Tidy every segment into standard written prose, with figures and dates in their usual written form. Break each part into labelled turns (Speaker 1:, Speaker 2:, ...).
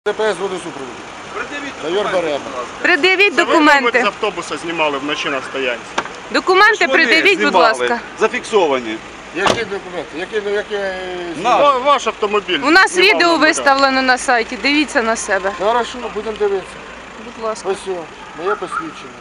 Speaker 1: ДПС водосупроводу. Майор Берема.
Speaker 2: Пред'явіть
Speaker 3: Це ви,
Speaker 2: документи.
Speaker 3: мабуть, з автобуса знімали вночі на стоянці.
Speaker 2: Документи пред'явіть, будь ласка.
Speaker 4: Зафіксовані.
Speaker 1: Які документи?
Speaker 3: Ваш автомобіль.
Speaker 2: У нас
Speaker 3: знімав
Speaker 2: відео
Speaker 3: на БК.
Speaker 2: виставлено на сайті, дивіться на себе.
Speaker 1: Хорошо, будемо дивитися.
Speaker 2: Будь ласка.
Speaker 1: Ось все, моє посвідчення.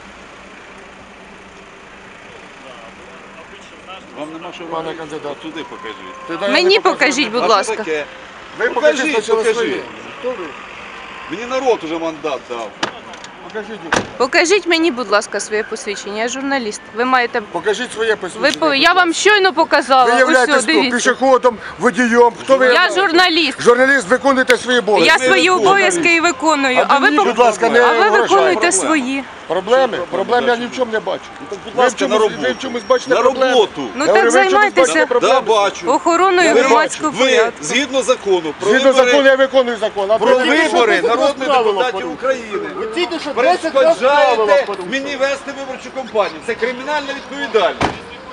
Speaker 4: Вам нема що
Speaker 1: Пане
Speaker 4: робити?
Speaker 1: кандидат.
Speaker 4: Туди покажіть.
Speaker 1: Ти дай
Speaker 2: Мені
Speaker 1: не показуй.
Speaker 2: покажіть, будь
Speaker 4: А що
Speaker 2: ласка.
Speaker 4: таке?
Speaker 1: Ви покажіть
Speaker 4: Покажіть,
Speaker 1: спочатку
Speaker 4: покажіть.
Speaker 1: своє. Хто ви?
Speaker 4: Мені народ уже мандат дав.
Speaker 1: Покажіть.
Speaker 2: Покажіть мені, будь ласка, своє посвідчення. Я журналіст. Ви маєте.
Speaker 1: Покажіть своє посвідчення.
Speaker 2: Я вам щойно показала.
Speaker 1: Ви
Speaker 2: Ось,
Speaker 1: являєтесь
Speaker 2: о, дивіться.
Speaker 1: пішоходом, водієм. Хто ви
Speaker 2: Я
Speaker 1: являєтесь?
Speaker 2: журналіст.
Speaker 1: Журналіст, виконуєте свої обов'язки.
Speaker 2: Я свої обов'язки і виконую.
Speaker 1: А мені, будь ласка, не
Speaker 2: А ви
Speaker 1: вражайте.
Speaker 2: виконуєте свої.
Speaker 1: Проблеми? Проблем я ні в чому не бачу.
Speaker 4: Будь ласка, на роботу.
Speaker 1: Ви в чомусь бачите
Speaker 4: На
Speaker 1: проблеми?
Speaker 4: роботу.
Speaker 2: Ну
Speaker 1: Я говорю,
Speaker 2: так
Speaker 1: ви в чомусь
Speaker 2: займайтеся
Speaker 1: бачите проблеми?
Speaker 4: Да, бачу.
Speaker 2: охороною
Speaker 4: Ви
Speaker 2: громадського
Speaker 4: Ви,
Speaker 2: порядку.
Speaker 4: згідно закону, про
Speaker 1: Згідно закону
Speaker 4: вибори,
Speaker 1: я виконую закон. А
Speaker 4: про
Speaker 1: ви
Speaker 4: вибори
Speaker 1: тільки що
Speaker 4: народних
Speaker 1: правила
Speaker 4: депутатів
Speaker 1: порушили.
Speaker 4: України,
Speaker 1: Ви тільки що 10 разів правила
Speaker 4: перешкоджаєте
Speaker 1: порушили.
Speaker 4: мені вести виборчу кампанію. Це кримінальна відповідальність.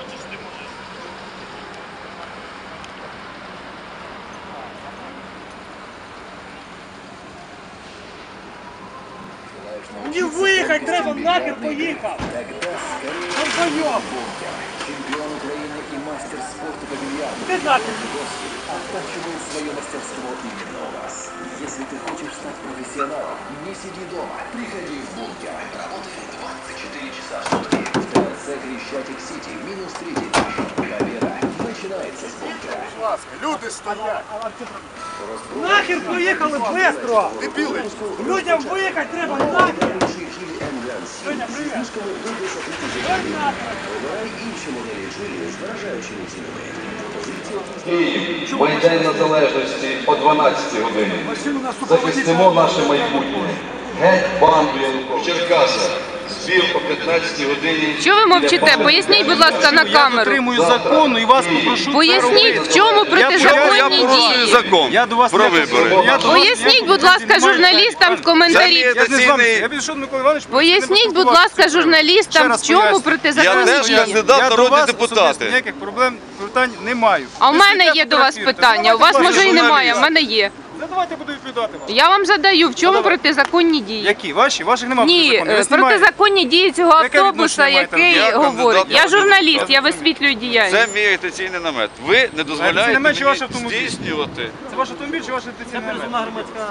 Speaker 5: Мені виїхати треба, нахер поїхав! Долбойоб!
Speaker 6: Чемпион Украины и мастер спорта по бильярду.
Speaker 5: Ти нахер!
Speaker 6: Оттачивай свое мастерство именно у вас. Если ты хочешь стать профессионалом, не сиди дома. Приходи в бункер. Работает 24 часа в сутки. В ТРЦ Хрещатик-Сити. Минус 3 тысячи. Победа начинается с бункера.
Speaker 1: Люди стоять.
Speaker 5: Нахер поїхали быстро! Людям виїхати треба, нахер!
Speaker 6: Чили М-Ганс.
Speaker 5: Женя, привіт!
Speaker 6: Слишком дуже сокрытие. Вибирай інші моделі чилі з вражаючими цінами.
Speaker 7: Київ, Майдан Незалежності о 12 годині. Захистимо наше майбутнє. Геть банду Януковича. Черкаса. Збір о 15 годині.
Speaker 2: Що ви мовчите? Поясніть, будь ласка, на
Speaker 8: Я
Speaker 2: камеру.
Speaker 8: дотримую закону і вас попрошу.
Speaker 2: Поясніть, в чому протизаконні
Speaker 4: порушую
Speaker 2: дії.
Speaker 4: закон
Speaker 8: Я до вас
Speaker 4: про
Speaker 8: не
Speaker 4: вибори.
Speaker 2: Поясніть, будь ласка, журналістам в коментарі.
Speaker 8: Я не з вами. Я підійшов до Миколи Івановича.
Speaker 2: Поясніть, будь ласка, журналістам, в чому
Speaker 4: Я
Speaker 2: протизаконні
Speaker 4: теж
Speaker 2: дії.
Speaker 4: кандидат
Speaker 8: Я
Speaker 4: в
Speaker 8: до
Speaker 4: народні
Speaker 8: вас
Speaker 4: депутати.
Speaker 8: особисто ніяких питань не маю.
Speaker 2: А у
Speaker 8: Ви
Speaker 2: мене
Speaker 8: сидите,
Speaker 2: є до вас
Speaker 8: фотографуєте.
Speaker 2: питання. У вас
Speaker 8: Задавайте
Speaker 2: може і
Speaker 8: ваші
Speaker 2: немає, а в
Speaker 4: журналіст.
Speaker 2: мене є.
Speaker 8: Задавайте, буду відповідати вам.
Speaker 2: Я вам задаю, в чому
Speaker 8: Давай.
Speaker 2: протизаконні дії.
Speaker 8: Які? Ваші? Ваших немає.
Speaker 2: Ні, протизаконні дії цього
Speaker 8: Яке
Speaker 2: автобуса,
Speaker 8: відношення маєте?
Speaker 2: який
Speaker 4: Я кандидат
Speaker 2: говорить.
Speaker 4: в
Speaker 2: Я
Speaker 4: народні
Speaker 2: журналіст,
Speaker 4: депутати.
Speaker 2: я висвітлюю
Speaker 4: Це
Speaker 2: діяльність.
Speaker 4: мій агітаційний намет. Ви не дозволяєте
Speaker 8: намет чи
Speaker 4: мені
Speaker 8: ваш автомобіль?
Speaker 4: здійснювати.
Speaker 8: Це ваш автомобіль чи ваш інтенсивний намет?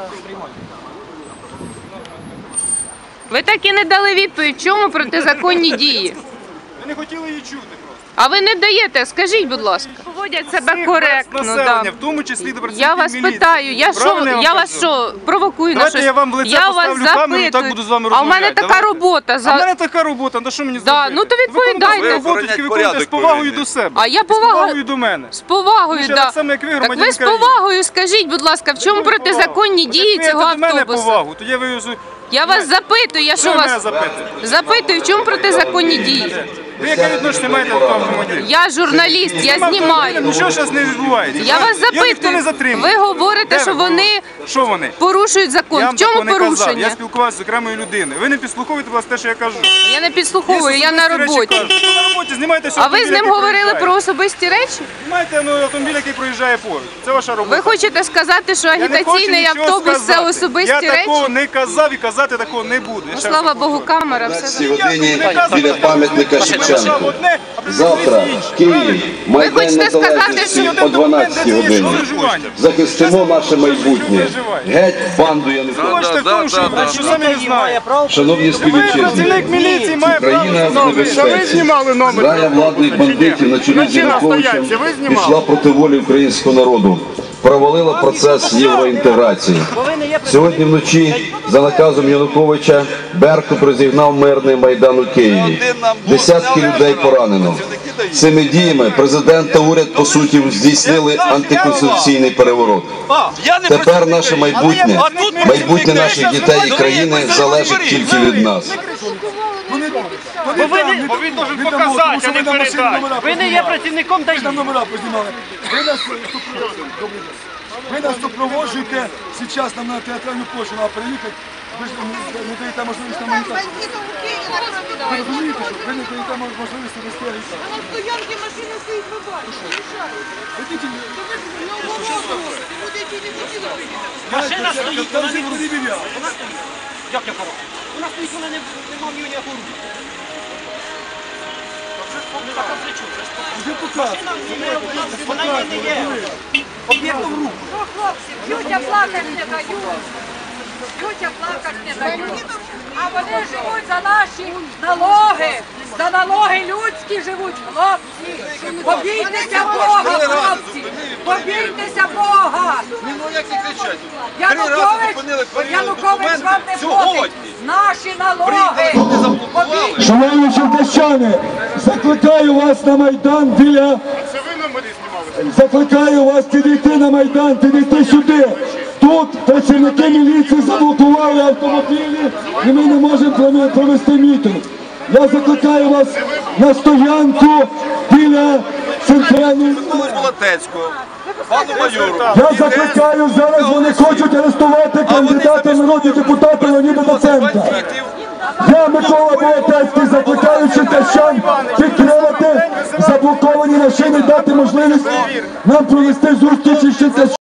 Speaker 2: Ви так і не дали відповідь, в чому протизаконні дії.
Speaker 8: Ви не хотіли її чути просто.
Speaker 2: А ви не даєте, скажіть, будь ласка. Поводять себе
Speaker 8: Всіх
Speaker 2: коректно.
Speaker 8: населення,
Speaker 2: Да.
Speaker 8: в тому числі до працівників
Speaker 2: Я вас
Speaker 8: міліції.
Speaker 2: питаю,
Speaker 8: Правильно
Speaker 2: я
Speaker 8: вам
Speaker 2: вас
Speaker 8: кажу?
Speaker 2: що, провокую на
Speaker 8: Давайте
Speaker 2: щось?
Speaker 8: я вам в лице
Speaker 2: Я вас
Speaker 8: поставлю камеру і так буду з вами
Speaker 2: А у мене
Speaker 8: розмовляти.
Speaker 2: така
Speaker 8: Давайте.
Speaker 2: робота.
Speaker 8: А в мене така робота, ну що мені
Speaker 2: Да,
Speaker 8: зробити?
Speaker 2: ну то відповідайте.
Speaker 8: Ви
Speaker 4: Ви
Speaker 8: роботу тільки
Speaker 4: охоронять
Speaker 8: виконуєте з
Speaker 4: порядок
Speaker 8: повагою
Speaker 4: повинні.
Speaker 8: до себе.
Speaker 2: А я
Speaker 8: І з повагою
Speaker 2: повага-
Speaker 8: до мене.
Speaker 2: З повагою,
Speaker 8: Ну, ще
Speaker 2: да.
Speaker 8: так само, як ви,
Speaker 2: Так
Speaker 8: громадянин
Speaker 2: ви з
Speaker 8: країни.
Speaker 2: повагою скажіть, будь ласка, в чому
Speaker 8: Якою
Speaker 2: протизаконні
Speaker 8: повагою?
Speaker 2: дії
Speaker 8: От як
Speaker 2: цього
Speaker 8: ви до мене
Speaker 2: автобуса?
Speaker 8: повагу, тоді я вивезу.
Speaker 2: Я вас запитую, я що
Speaker 8: Що мене
Speaker 2: вас
Speaker 8: запитуєте?
Speaker 2: запитую, в чому протизаконні дії?
Speaker 8: Ви яке відношення маєте до того автомобіля?
Speaker 2: Я журналіст, я знімаю.
Speaker 8: Нічого зараз не відбувається.
Speaker 2: Я вас
Speaker 8: ніхто не
Speaker 2: запитую.
Speaker 8: затримує.
Speaker 2: Ви говорите,
Speaker 8: Де
Speaker 2: що
Speaker 8: ви
Speaker 2: вони
Speaker 8: Що вони?
Speaker 2: порушують закон.
Speaker 8: Я
Speaker 2: В
Speaker 8: вам
Speaker 2: чому
Speaker 8: такого не казав.
Speaker 2: порушення?
Speaker 8: Я спілкувався з окремою людиною. Ви не підслуховуєте, будь ласка, те, що я кажу.
Speaker 2: Я не підслуховую, я на
Speaker 8: Особисті речі
Speaker 2: роботі.
Speaker 8: кажу. Ви на роботі знімайте
Speaker 2: А ви з ним говорили про особисті речі?
Speaker 8: Знімайте автомобіль, який проїжджає поруч. Це ваша робота.
Speaker 2: Ви хочете сказати, що
Speaker 8: Я не хочу
Speaker 2: агітаційний
Speaker 8: нічого
Speaker 2: автобус це
Speaker 8: сказати.
Speaker 2: особисті
Speaker 8: Я такого
Speaker 2: речі?
Speaker 8: не казав і казати такого не буду. Я
Speaker 2: Ну,
Speaker 8: ще раз
Speaker 2: слава
Speaker 8: повторюю.
Speaker 2: Богу, камера, все.
Speaker 7: цій годині біля
Speaker 8: Я
Speaker 7: пам'ятника
Speaker 8: казав
Speaker 7: Шевченку.
Speaker 8: одне, а при
Speaker 7: Завтра
Speaker 8: цьому інше.
Speaker 7: Київ, Майдан
Speaker 2: хочете сказати,
Speaker 7: Незалежності
Speaker 2: що
Speaker 7: о 12 годині. Захистимо наше майбутнє. Геть банду Януковича.
Speaker 8: Бачите в тому, що самі не знаєте.
Speaker 7: Шановні співвітчизники,
Speaker 8: Працівник міліції має право
Speaker 7: Україна в
Speaker 8: знати.
Speaker 7: небезпеці.
Speaker 3: знімали номер?
Speaker 7: Зграя владних бандитів на чолі з Януковичем
Speaker 3: стоянці, ви знімали?
Speaker 7: пішла проти волі українського народу, провалила процес євроінтеграції. Сьогодні вночі за наказом Януковича Беркут розігнав мирний Майдан у Києві. Десятки людей поранено. Цими діями президент та уряд, по суті, здійснили антиконституційний переворот. Тепер наше майбутнє, майбутнє наших дітей і країни залежить тільки від нас.
Speaker 5: Бо він должен показати, а не передати. Ви не є працівником ДАІ.
Speaker 1: Номера познімали. Ви нас супроводжуєте зараз нам на театральну площу, треба приїхати Ви ж не даєте можливість нам агітацію. Ви розумієте, що ви не даєте можливість вести агітацію.
Speaker 9: На стоянке машина стоит, вы бачите, мешает.
Speaker 5: Машина стоїть, вона не
Speaker 1: не перевіряє.
Speaker 5: Як я кажу? Вона стоїть, вона не мав ніякого руху. Ну так, а при чому?
Speaker 1: Вже показує.
Speaker 5: Вона не є об'єктом руху.
Speaker 9: Ну, хлопці, тетя плакать не дають. Тетя плакать не дають. А вони живуть за налоги людські живуть, хлопці. Побійтеся Бога, хлопці. Побійтеся Бога.
Speaker 4: Ну як не кричать?
Speaker 9: Янукович вам не платить. Наші налоги. Побійтеся.
Speaker 10: Шановні черкащани, закликаю вас на Майдан біля...
Speaker 3: Це ви на мене знімали?
Speaker 10: Закликаю вас підійти на Майдан, підійти сюди. Тут працівники міліції заблокували автомобілі і ми не можемо провести мітинг. Я закликаю вас на стоянку біля центральної...
Speaker 4: Болотецького, пану майору.
Speaker 10: Я закликаю, зараз вони хочуть арестувати кандидата в народні депутати Леоніда Доценка. Я, Микола Болотецький, закликаю черкащан підтримати заблоковані машини, дати можливість нам провести зустрічі з черкащанами.